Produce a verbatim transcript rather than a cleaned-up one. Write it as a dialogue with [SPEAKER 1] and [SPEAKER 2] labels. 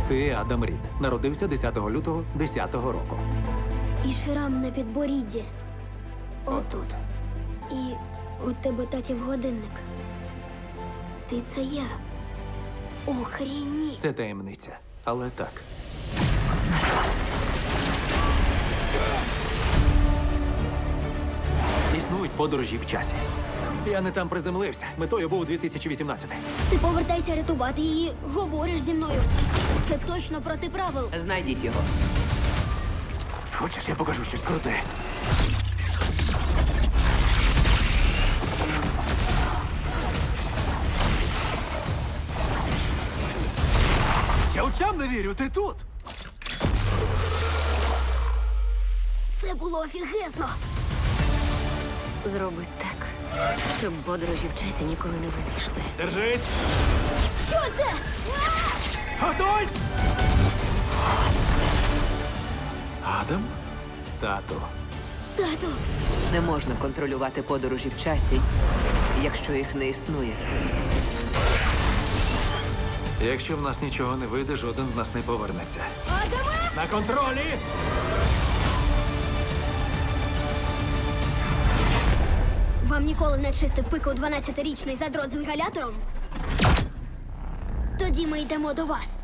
[SPEAKER 1] Ти Адам Рід. Народився десятого лютого десятого року.
[SPEAKER 2] І шрам на підборідді.
[SPEAKER 1] Отут.
[SPEAKER 2] І у тебе татів годинник. Ти це я. Охренеть.
[SPEAKER 1] Це таємниця. Але так. Існують подорожі в часі. Я не там приземлився. Метою був дві тисячі вісімнадцятий.
[SPEAKER 2] Ти повертайся рятувати її, говориш зі мною. Це точно проти правил.
[SPEAKER 3] Знайдіть його.
[SPEAKER 1] Хочеш, я покажу щось круте? Я очам не вірю, ти тут!
[SPEAKER 2] Це було офігезно.
[SPEAKER 4] Зроби так, щоб подорожі в часі ніколи не винайшли.
[SPEAKER 1] Держись!
[SPEAKER 2] Що це?
[SPEAKER 1] Готуйсь! Адам? Тату.
[SPEAKER 2] Тату,
[SPEAKER 3] Не можна контролювати подорожі в часі, якщо їх не існує.
[SPEAKER 1] Якщо в нас нічого не вийде, жоден з нас не повернеться.
[SPEAKER 2] Адаме!
[SPEAKER 1] На контролі!
[SPEAKER 2] Вам ніколи не чистив пику дванадцятирічний задрот з інгалятором? Тоді ми йдемо до вас.